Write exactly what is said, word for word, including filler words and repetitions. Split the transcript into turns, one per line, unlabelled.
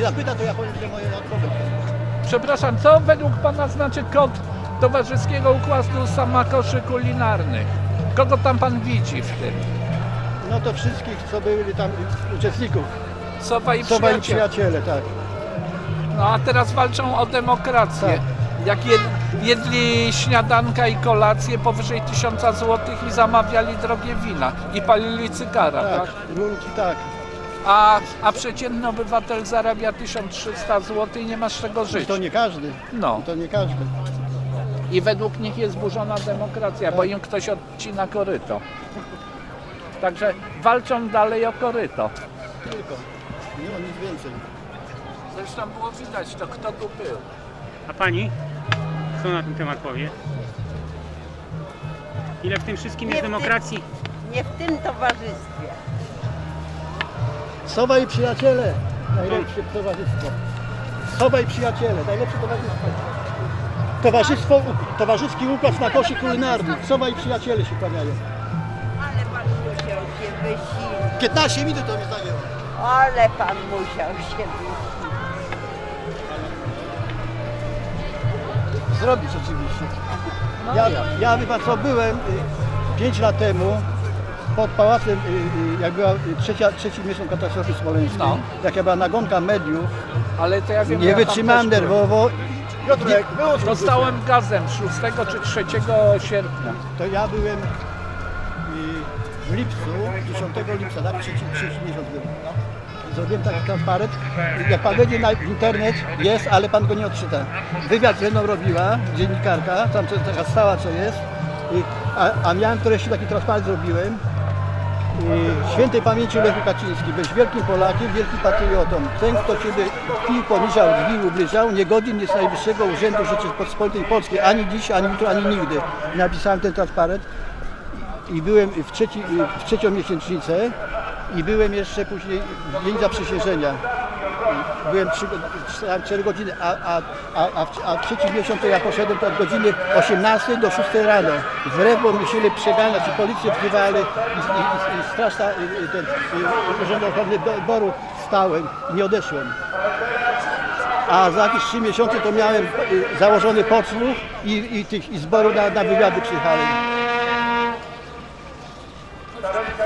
nie zapyta, to ja powiem, że moje odpowiedź.
Przepraszam, co według Pana znaczy kod Towarzyskiego Układu Samakoszy Kulinarnych? Kogo tam Pan widzi w tym?
No to wszystkich, co byli tam uczestników.
Sowa i
Sowa i
przyjaciele.
przyjaciele, tak.
No a teraz walczą o demokrację.
Tak.
Jak jed, jedli śniadanka i kolację powyżej tysiąca złotych i zamawiali drogie wina i palili cygara, tak?
Tak, rurki, tak.
A, a przeciętny obywatel zarabia tysiąc trzysta złotych i nie ma z czego
I
żyć.
to nie każdy.
No.
I to nie każdy.
I według nich jest zburzona demokracja, bo im ktoś odcina koryto. Także walczą dalej o koryto.
Tylko. Nie o nic więcej.
Zresztą było widać to, kto tu był.
A pani? Co na ten temat powie? Ile w tym wszystkim
Nie
jest
w tym-
demokracji?
Nie w tym towarzystwie.
Sowa i przyjaciele. Najlepsze towarzystwo. Sowa i przyjaciele. Najlepsze towarzystwo. Towarzystwo, towarzyski układ na koszy kulinarny. Sowa i przyjaciele się kłaniają.
Ale pan musiał się wysilić.
piętnaście minut to mi zajęło.
Ale pan musiał się wysilić.
Zrobić oczywiście.
No
Ja,
ja.
ja wie pan co, byłem pięć lat temu pod pałacem, y, y, jak była y, trzecia, trzeci miesiąc katastrofy smoleńskiej,
No.
jak ja była nagonka mediów,
Ale to ja wiem,
nie
ja tam
wytrzymałem
też byłem.
nerwowo. Piotrek, wyłącz
Dostałem gazem szóstego czy trzeciego sierpnia.
To ja byłem y, w lipcu, dziesiątego lipca, tak? Trzeci, trzeci miesiąc był. Zrobiłem taki transparent. Jak pan wejdzie na internet, jest, ale pan go nie odczyta. Wywiad ze mną robiła dziennikarka, tam co- taka stała co jest. I, a, a miałem treści, taki transparent zrobiłem. I świętej pamięci Lechu Kaczyński, byłeś wielkim Polakiem, wielkim patriotą. Ten, kto ciebie kpił, poniżał, zbił, ubliżał, niegodzin jest najwyższego urzędu Rzeczypospolitej Polskiej, ani dziś, ani jutro, ani nigdy. I napisałem ten transparent i byłem w, trzeci, w trzecią miesięcznicę i byłem jeszcze później w dzień zaprzysiężenia. Byłem cztery godziny, a, a, a, a, w, a w trzeci miesiąc to ja poszedłem od godziny osiemnastej do szóstej rano. Wbrew, bo musieli przeganiać i policję wzywali i, i, i, i straż ta, i, i ten i Urząd Ochrony Boru stałem i nie odeszłem. A za jakieś trzy miesiące to miałem y, założony podsłuch i, i, tych, i zboru na, na wywiady przyjechałem.